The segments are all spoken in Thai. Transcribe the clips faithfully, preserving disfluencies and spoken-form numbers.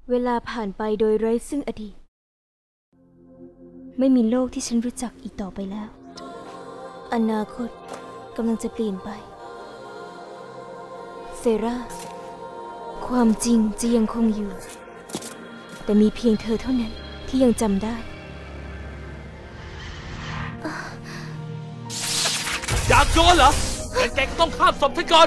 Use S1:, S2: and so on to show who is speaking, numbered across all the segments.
S1: เวลาผ่านไปโดยไร้ซึ่งอดีตไม่มีโลกที่ฉันรู้จักอีกต่อไปแล้วอนาคตกำลังจะเปลี่ยนไปเซราความจริงจะยังคงอยู่แต่มีเพียงเธอเท่านั้นที่ยังจำได้
S2: อยากโยนเหรองั้นแกก็ต้องข้ามศพฉันก่อน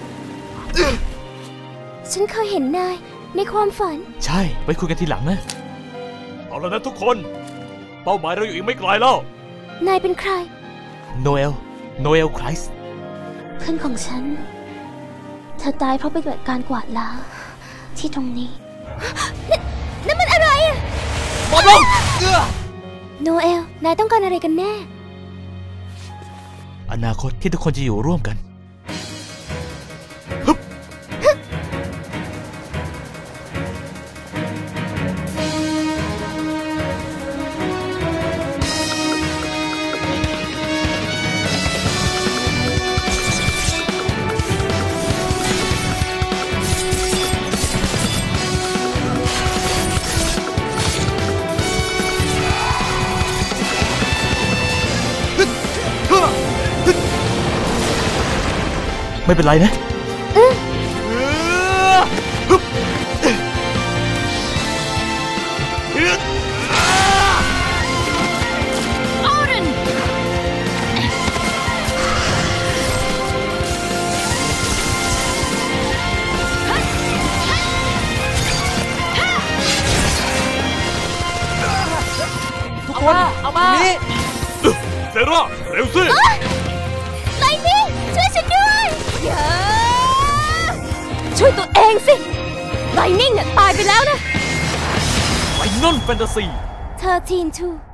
S1: ฉันเคยเห็นนายในความฝัน
S2: ใช่ไว้คุยกันทีหลังนะเอาแล้วนะทุกคนเป้าหมายเราอยู่อีกไม่ไกลแล้ว
S1: นายเป็นใคร
S2: โนเอลโนเอลไครส์
S1: เพื่อนของฉันเธอตายเพราะไปเกิดการกวาดล้างที่ตรงนี้นั่นมันอะไรอะ
S2: บอลลง
S1: โนเอลนายต้องการอะไรกันแน่
S2: อนาคตที่ทุกคนจะอยู่ร่วมกันไม่เป็นไรนะทุกคนเอามานี่เซราเร็วสิ
S1: ไลนิ่งช่วยฉันด้วยช่วยตัวเองสิไลนิ่งเนี่ยตายไปแล้วนะ
S2: ไฟนอลแฟนตาซี
S1: เธอทีนทู